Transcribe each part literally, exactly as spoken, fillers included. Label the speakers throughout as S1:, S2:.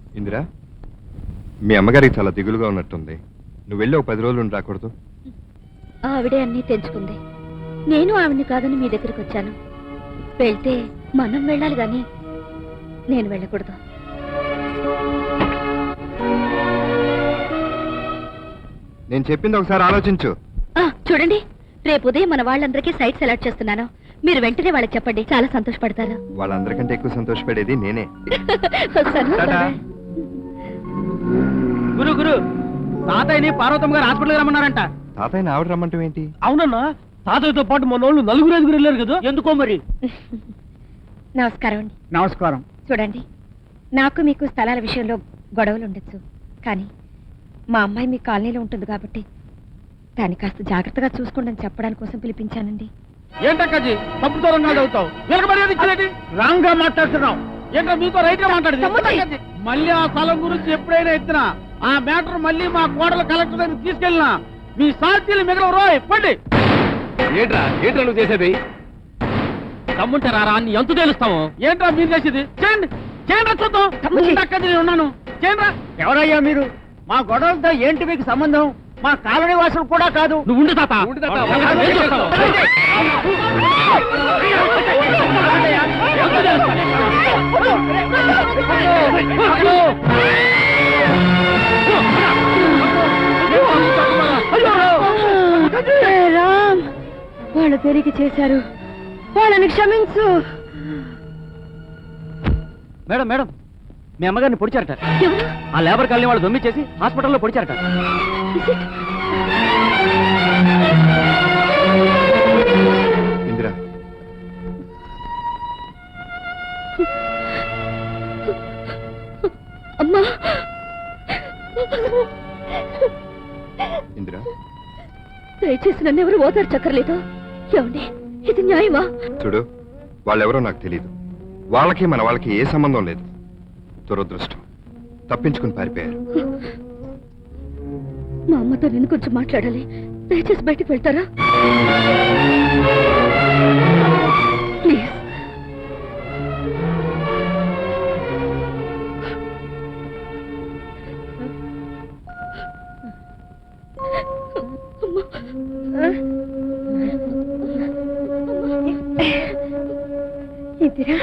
S1: ఇందిరా, మీ అమ్మగారికి చాలా దిగులుగా ఉన్నట్టుంది. నువ్వు వెళ్ళి ఒక పది రోజులు రాకూడదు?
S2: ఆవిడే అన్నీ తెంచుకుంది. నేను ఆవిడ్ని కాదని మీ దగ్గరికి వచ్చాను. వెళ్తే మనం వెళ్ళాలి గాని నేను వెళ్ళకూడదు.
S1: నేను చెప్పింది ఒకసారి ఆలోచించు.
S2: చూడండి, రేపు ఉదయం మన వాళ్ళందరికీ సైట్ సెలెక్ట్ చేస్తున్నాను. మీరు వెంటనే వాళ్ళకి చెప్పండి, చాలా సంతోషపడతారు.
S1: వాళ్ళందరికంటే ఎక్కువ సంతోషపడేది నేనే.
S3: గురు గురు తాతయ్యని పార్వతమ్మ గారు హాస్పిటల్కి రమ్మన్నారంట.
S1: తాతయ్యని ఆవిడ రమ్మంటావు ఏంటి?
S3: అవునన్నా, తాతయ్యతో పాటు మన వాళ్ళు నలుగురు ఐదుగురు వెళ్ళారు కదా, ఎందుకో మరి.
S2: నమస్కారం అండి.
S3: నమస్కారం.
S2: చూడండి, నాకు మీకు స్థలాల విషయంలో గొడవలు ఉండొచ్చు, కానీ మా అమ్మాయి మీ కాలనీలో ఉంటుంది కాబట్టి దాన్ని కాస్త జాగ్రత్తగా చూసుకోండి అని చెప్పడానికి కోసం పిలిపించానండి.
S3: ఏంటక్కజీ తప్పుతో రంగాలు అవుతావు? రాంగ్ గా మాట్లాడుతున్నావు. ఏంటో మీతో రైట్ గా మాట్లాడింది. మళ్ళీ ఆ స్థలం గురించి ఎప్పుడైనా ఎత్తినా ఆ మ్యాటర్ మళ్ళీ మా కోడల కలెక్టర్ దగ్గర తీసుకెళ్ళినా మీ సాక్షులు మిగలవు. రోయ్ పండి. ఏంట్రా ఏంట్రా నువ్వు చేసేది? తమ్ముంటే రారా అని ఎంత తెలుస్తాము? ఏంట్రా మీరు చేసేది? చేయండి చేయండి చూద్దాం. అక్కడి నేను ఉన్నాను. చేయండి. ఎవరయ్యా మీరు? మా గొడవలతో ఏంటి మీకు సంబంధం? మా కాలనీ వాసులు కూడా కాదు. నువ్వు ఉండు తాత.
S2: రామ్, వాళ్ళు తిరిగి చేశారు, వాళ్ళని క్షమించు.
S3: మేడం మేడం, మీ అమ్మగారిని పొడిచారట. ఆ లేబర్ కాలనీ వాళ్ళు దొమ్మి చేసి హాస్పిటల్లో పొడిచారట.
S1: ఇందిరా,
S2: అమ్మా.
S1: ఇందిరా,
S2: దయచేసి నన్ను ఎవరు ఓదారు చక్కర్లేదు. ఏమండి, ఇది న్యాయమా?
S1: చూడు, వాళ్ళెవరో నాకు తెలియదు. వాళ్ళకి మన వాళ్ళకి ఏ సంబంధం లేదు. దురదృష్టం, తప్పించుకుని పారిపోయారు.
S2: మా అమ్మతో నేను కొంచెం మాట్లాడాలి. దయచేసి బయటికి వెళ్తారా ప్లీజ్? ఇందిరా,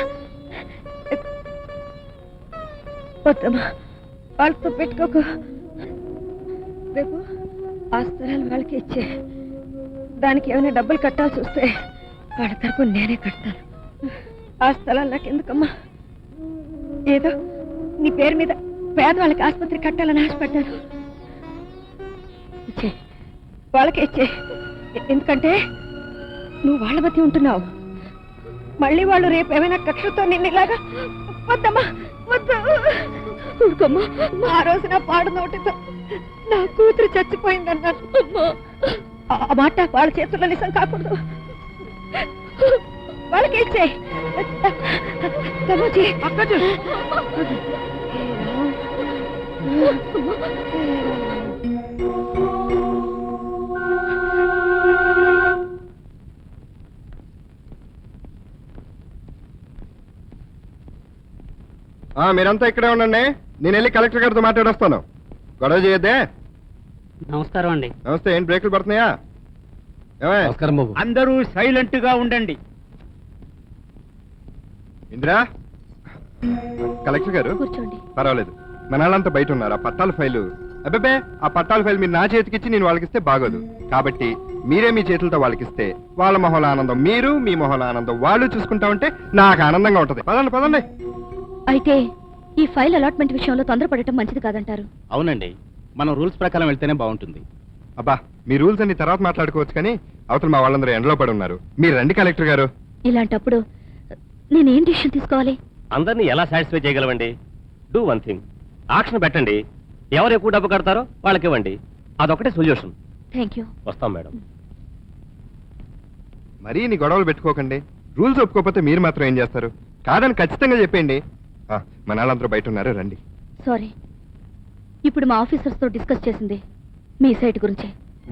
S2: వద్దమ్మా, వాళ్ళతో పెట్టుకోకు. రేపు ఆ స్థలాలు వాళ్ళకి ఇచ్చే, దానికి ఏమైనా డబ్బులు కట్టాల్సి వస్తే వాళ్ళ తరపు నేనే కడతాను. ఆ స్థలాలు నాకు ఎందుకమ్మా? ఏదో నీ పేరు మీద పేదవాళ్ళకి ఆసుపత్రి కట్టాలని ఆశపడ్డాను. ఇచ్చే, వాళ్ళకే ఇచ్చే. ఎందుకంటే నువ్వు వాళ్ళ మధ్య ఉంటున్నావు. మళ్ళీ వాళ్ళు రేపు ఏమైనా కక్షతో నిన్ను ఇలాగా. వద్దమ్మా, వద్దు. ఊరుకోమ్మా. ఆ రోజు నా పాడు నోటితో నా కూతురు చచ్చిపోయిందన్నాను. ఆ మాట వాళ్ళ చేతుల్లో నిజం కాకూడదు. వాళ్ళకి ఇచ్చే.
S1: మీరంతా ఇక్కడే ఉండండి, నేను వెళ్ళి కలెక్టర్ గారితో మాట్లాడొస్తాను. గొడవ చేయొద్దే.
S3: నమస్కారం అండి.
S1: నమస్తే. ఏం బ్రేకులు పడుతున్నాయా?
S3: నమస్కారం బాబు. అందరూ సైలెంట్ గా ఉండండి.
S1: ఇందిరా, కలెక్టర్ గారు
S2: కూర్చోండి.
S1: పర్వాలేదు, మన వాళ్ళంతా బయట ఉన్నారు. ఆ పట్టాల ఫైలు, అబ్బాబే ఆ పట్టాల ఫైల్ మీరు నా చేతికిచ్చి నేను వాళ్ళకిస్తే బాగోదు. కాబట్టి మీరే మీ చేతులతో వాళ్ళకిస్తే వాళ్ళ మొహల ఆనందం మీరు, మీ మొహల ఆనందం వాళ్ళు చూసుకుంటా ఉంటే నాకు ఆనందంగా ఉంటది. పదండి పదండి.
S2: అయితే ఈ ఫైల్ అలాట్మెంట్ విషయంలో తొందరపడటం మంచిది కాదంటారు?
S3: అవునండి, మనం రూల్స్ ప్రకారం వెళ్తేనే బాగుంటుంది.
S1: అబ్బా, మీ రూల్స్ అన్ని తర్వాత మాట్లాడుకోవచ్చు, కానీ అవతల మా వాళ్ళందరూ ఎండలో పడి ఉన్నారు. మీరు రండి కలెక్టర్ గారు.
S2: ఇలాంటప్పుడు నేనేం డిసిషన్ తీసుకోవాలి?
S4: అందరినీ ఎలా సాటిస్ఫై చేయగలవండి? డూ వన్ థింగ్, ఆక్షన్ పెట్టండి. ఎవరు ఎక్కువ డబ్బు కడతారో వాళ్ళకి ఇవ్వండి. అదొకటే సొల్యూషన్.
S2: Thank you.
S4: వస్తాం మేడం.
S1: మరీ నీ గొడవలు పెట్టుకోకండి. రూల్స్ ఒప్పుకోకపోతే మీరు మాత్రం ఏం చేస్తారు? కాదని ఖచ్చితంగా చెప్పండి. మన వాళ్ళందరూ బయట ఉన్నారు, రండి.
S2: సారీ, ఇప్పుడు మా ఆఫీసర్స్ తో డిస్కస్ చేసింది మీ సైట్ గురించి.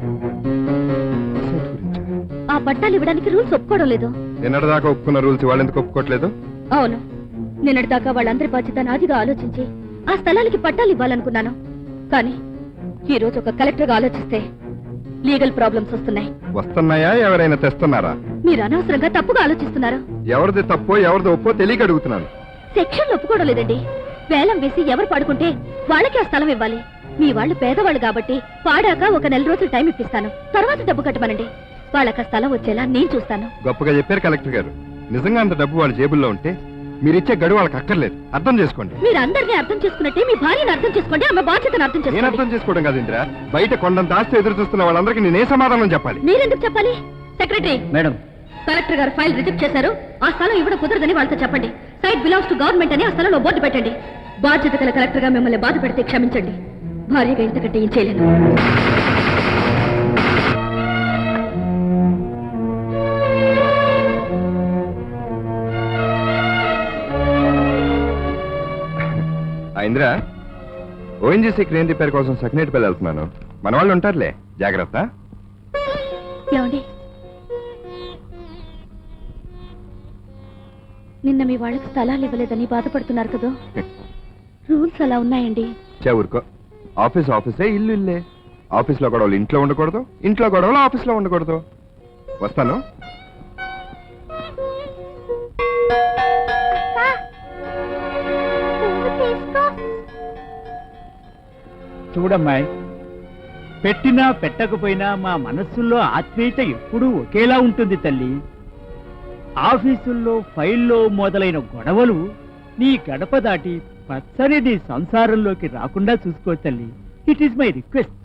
S2: ఆ పట్టాలు ఇవ్వడానికి రూల్స్ ఒప్పుకోవడం లేదు.
S1: నిన్నటిదాకా ఒప్పుకున్న రూల్స్ వాళ్ళు ఎందుకు ఒప్పుకోవట్లేదు?
S2: అవును, నిన్నటిదాకా వాళ్ళందరి బాధ్యత నాదిగా ఆలోచించి ఆ స్థలానికి పట్టాలు ఇవ్వాలనుకున్నాను. కానీ ఈ రోజు ఒక కలెక్టర్ గా ఆలోచిస్తే లీగల్ ప్రాబ్లమ్స్ వస్తున్నాయి.
S1: వస్తున్నాయా? ఎవరైనా తెస్తున్నారా?
S2: మీరు అనవసరంగా తప్పుగా ఆలోచిస్తున్నారు.
S1: ఎవరిది తప్పో ఎవరిది ఒప్పో తెలియక అడుగుతున్నాను.
S2: సెక్షన్ ఒప్పుకోవడం లేదండి. వేలం వేసి ఎవరు పాడుకుంటే వాళ్ళకి ఆ స్థలం ఇవ్వాలి. మీ వాళ్ళు పేదవాళ్ళు కాబట్టి పాడాక ఒక నెల రోజులు టైం ఇప్పిస్తాను. తర్వాత డబ్బు కట్టమనండి. వాళ్ళకి ఆ స్థలం వచ్చేలా నేను చూస్తాను.
S1: గొప్పగా చెప్పారు కలెక్టర్ గారు. నిజంగా అంత డబ్బు వాళ్ళ జేబుల్లో ఉంటే మీరిచ్చే గడువు వాళ్ళకి అక్కర్లేదు. అర్థం చేసుకోండి.
S2: మీరు అందరినీ అర్థం చేసుకున్నట్టే మీ భార్యను అర్థం చేసుకోండి. ఆమె బాధ్యతను అర్థం
S1: నేను
S2: చేసుకోండి.
S1: అర్థం చేసుకోవడం కాదు ఇంద్ర. బయట కొండంత ఆస్తి ఎదురు చూస్తున్న వాళ్ళందరికీ నేనే సమాధానం చెప్పాలి?
S2: మీరెందుకు చెప్పాలి? సెక్రటరీ
S3: మేడం,
S2: కలెక్టర్ గారు ఫైల్ రిజెక్ట్ చేశారు. ఆ స్థలం ఇవ్వడం కుదరదని వాళ్ళతో చెప్పండి. సైట్ బిలాంగ్స్ టు గవర్నమెంట్ అని ఆ స్థలంలో బోర్డు పెట్టండి. బాధ్యత గల కలెక్టర్ గా మిమ్మల్ని బాధ పెడితే క్షమించండి. భార్యగా ఇంతకంటే ఏం చేయలేను.
S1: ఇంద్ర, ఓఎన్జీసీ క్రేన్ రిపేర్ కోసం సెకండరీ వెళ్తున్నాను. మన వాళ్ళు ఉంటారులే, జాగ్రత్త.
S2: ఏమండి, నిన్న మీ వాళ్ళకి స్థలాలు ఇవ్వలేదని బాధపడుతున్నారు కదా? రూల్స్ అలా ఉన్నాయండి.
S1: ఊరుకో. ఆఫీస్ ఆఫీసే, ఇల్లు ఇల్లే. ఆఫీస్లో గొడవలు ఇంట్లో ఉండకూడదు, ఇంట్లో గొడవలు ఆఫీస్లో ఉండకూడదు. వస్తాను.
S3: చూడమ్మాయి, పెట్టినా పెట్టకపోయినా మా మనస్సుల్లో ఆత్మీయత ఎప్పుడూ ఒకేలా ఉంటుంది తల్లి. ఆఫీసుల్లో ఫైల్లో మొదలైన గొడవలు నీ గడప దాటి పచ్చని నీ సంసారంలోకి రాకుండా చూసుకో తల్లి. It is my request.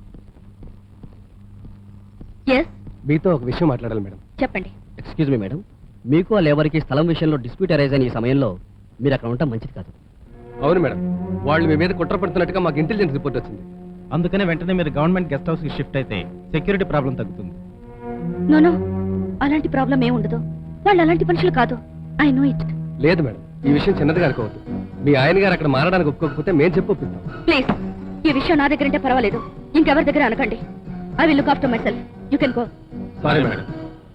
S2: Yes,
S5: మీతో ఒక విషయం మాట్లాడాలి మేడం.
S2: చెప్పండి.
S5: ఎక్స్క్యూజ్ మీ మేడం, మీకు ఆ లేబర్కి స్థలం విషయంలో డిస్ప్యూట్ అరైజ్ అయిన ఈ సమయంలో మీరు అక్కడ ఉండటం మంచిది కాదు. అవును మేడం, వాళ్ళు మీ మీద కుట్ర పడుతున్నట్టుగా మాకు ఇంటెలిజెన్స్ రిపోర్ట్ వచ్చింది.
S6: అందుకనే వెంటనే మీరు గవర్నమెంట్ గెస్ట్ హౌస్ కి షిఫ్ట్ అయితే సెక్యూరిటీ ప్రాబ్లం తగ్గుతుంది.
S2: నోనో, అలాంటి ప్రాబ్లం ఏం ఉండదు. వాళ్ళు అలాంటి మనుషులు కాదు. I know it.
S5: లేదు మేడం, ఈ విషయం చిన్నదిగా అనుకోవద్దు. మీ ఆయన గారు అక్కడ మారడానికి ఒప్పుకోకపోతే మేము చెప్పి ఒప్పిస్తాం.
S2: ప్లీజ్, ఈ విషయం నా దగ్గర ఉంటే పర్వాలేదు. ఇంకెవరి దగ్గర అనకండి. I will look after myself. You can go.
S5: Sorry madam.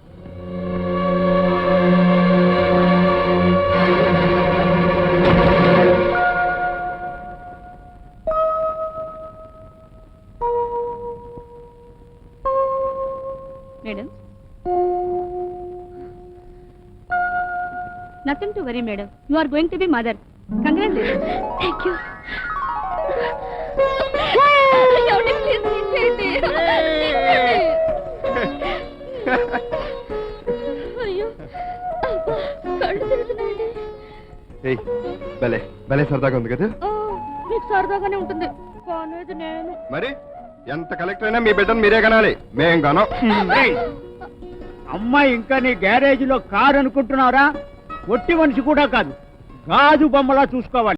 S2: Madam, nothing to worry madam. You are going to be mother. Congratulations. Thank you. అయ్యో, కళ్ళు తిరుగుతున్నాయండి.
S1: ఏయ్, భలే భలే సరదాగా ఉంది కదా?
S2: మీకు సరదాగానే ఉంటుంది. కానేది నేను.
S1: మరి ఎంత కలెక్టర్ అయినా మీ బిడ్డను మీరే కనాలి, మేం కాను.
S3: ఏయ్, అమ్మాయి ఇంకా నీ గ్యారేజ్ లో కారు అనుకుంటున్నారా? ఒట్టి మనిషి కూడా కాదు, గాజు బొమ్మలా చూసుకోవాలి.